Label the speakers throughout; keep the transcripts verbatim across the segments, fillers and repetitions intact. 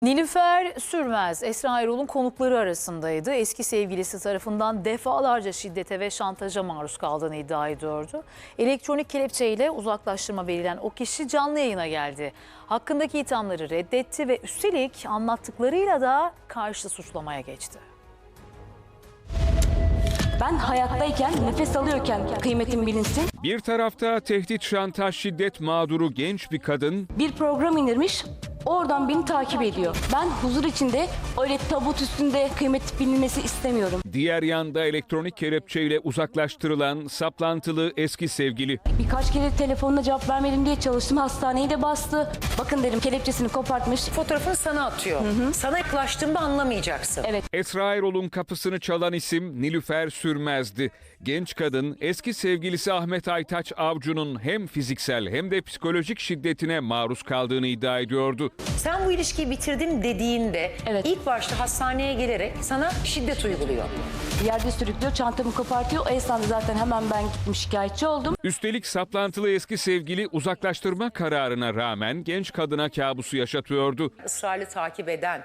Speaker 1: Nilüfer Sürmez, Esra Erol'un konukları arasındaydı. Eski sevgilisi tarafından defalarca şiddete ve şantaja maruz kaldığını iddia ediyordu. Elektronik kelepçeyle uzaklaştırma verilen o kişi canlı yayına geldi. Hakkındaki ithamları reddetti ve üstelik anlattıklarıyla da karşı suçlamaya geçti.
Speaker 2: Ben hayattayken, nefes alıyorken kıymetim bilinsin.
Speaker 3: Bir tarafta tehdit, şantaj, şiddet mağduru genç bir kadın,
Speaker 2: Bir program indirmiş, oradan beni takip ediyor. Ben huzur içinde öyle tabut üstünde kıymet bilinmesi istemiyorum.
Speaker 3: diğer yanda elektronik kelepçeyle uzaklaştırılan saplantılı eski sevgili.
Speaker 2: Birkaç kere telefonuna cevap vermedim diye çalıştım, hastaneyi de bastı. Bakın dedim, kelepçesini kopartmış.
Speaker 4: Fotoğrafını sana atıyor. Hı hı. Sana yaklaştığımda anlamayacaksın.
Speaker 2: Evet.
Speaker 3: Esra Erol'un kapısını çalan isim Nilüfer Sürmez'di. Genç kadın eski sevgilisi Ahmet Aytaç Avcı'nın hem fiziksel hem de psikolojik şiddetine maruz kaldığını iddia ediyordu.
Speaker 4: Sen bu ilişkiyi bitirdim dediğinde
Speaker 2: Evet.
Speaker 4: ilk başta hastaneye gelerek sana şiddet uyguluyor.
Speaker 2: Yerde sürüklüyor, çantamı kopartıyor. O esnada zaten hemen ben gittim, şikayetçi oldum.
Speaker 3: Üstelik saplantılı eski sevgili uzaklaştırma kararına rağmen genç kadına kabusu yaşatıyordu.
Speaker 4: Israrlı takip eden,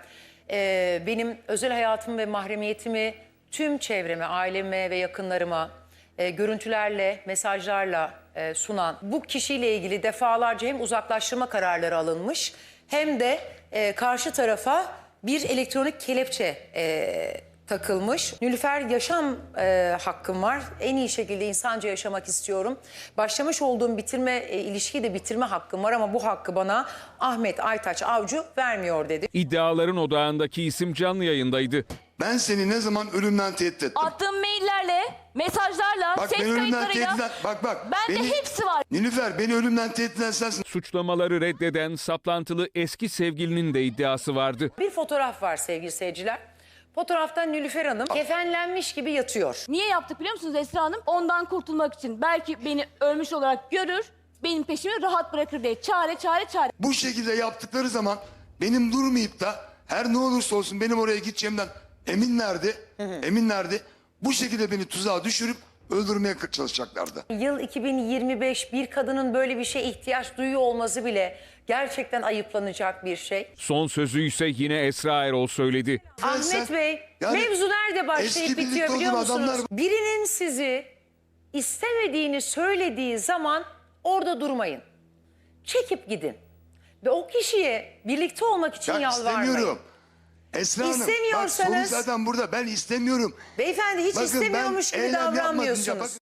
Speaker 4: e, benim özel hayatımı ve mahremiyetimi tüm çevreme, aileme ve yakınlarıma e, görüntülerle, mesajlarla e, sunan bu kişiyle ilgili defalarca hem uzaklaştırma kararları alınmış hem de e, karşı tarafa bir elektronik kelepçe e, takılmış. Nilüfer, yaşam e, hakkım var. En iyi şekilde insanca yaşamak istiyorum. Başlamış olduğum bitirme e, ilişkiyi de bitirme hakkım var ama bu hakkı bana Ahmet Aytaç Avcı vermiyor dedi.
Speaker 3: İddiaların odağındaki isim canlı yayındaydı.
Speaker 5: Ben seni ne zaman ölümden tehdit ettim?
Speaker 2: Attığım maillerle, mesajlarla,
Speaker 5: Bak
Speaker 2: ses
Speaker 5: ben ölümden tehdit
Speaker 2: kayıtlarıyla.
Speaker 5: eden... Bak bak.
Speaker 2: Bende
Speaker 5: beni-
Speaker 2: hepsi var.
Speaker 5: Nilüfer, beni ölümden tehdit eden sensin.
Speaker 3: Suçlamaları reddeden saplantılı eski sevgilinin de iddiası vardı.
Speaker 4: Bir fotoğraf var sevgili seyirciler. Fotoğrafta Nilüfer Hanım kefenlenmiş gibi yatıyor.
Speaker 2: Niye yaptık biliyor musunuz Esra Hanım? Ondan kurtulmak için. Belki beni ölmüş olarak görür, benim peşimi rahat bırakır diye. Çare, çare, çare.
Speaker 5: Bu şekilde yaptıkları zaman benim durmayıp da her ne olursa olsun benim oraya gideceğimden eminlerdi. Eminlerdi. Bu şekilde beni tuzağa düşürüp öldürmeye çalışacaklardı.
Speaker 4: Yıl iki bin yirmi beş, bir kadının böyle bir şeye ihtiyaç duyuyor olması bile gerçekten ayıplanacak bir şey.
Speaker 3: Son sözü ise yine Esra Erol söyledi.
Speaker 4: Ahmet
Speaker 5: sen-
Speaker 4: Bey,
Speaker 5: yani
Speaker 4: mevzu nerede başlayıp
Speaker 5: eski birlikte
Speaker 4: bitiyor biliyor
Speaker 5: olduğum
Speaker 4: musunuz?
Speaker 5: adamlar-
Speaker 4: Birinin sizi istemediğini söylediği zaman orada durmayın. Çekip gidin. Ve o kişiye birlikte olmak için
Speaker 5: Ben
Speaker 4: yalvarmayın.
Speaker 5: istemiyorum. Esra Hanım, bak
Speaker 4: İstemiyorsanız-
Speaker 5: sorun zaten burada. Ben istemiyorum.
Speaker 4: Beyefendi hiç
Speaker 5: Bakın, ben
Speaker 4: istemiyormuş gibi
Speaker 5: eylem yapmadım ya,
Speaker 4: davranmıyorsunuz.
Speaker 5: bakın.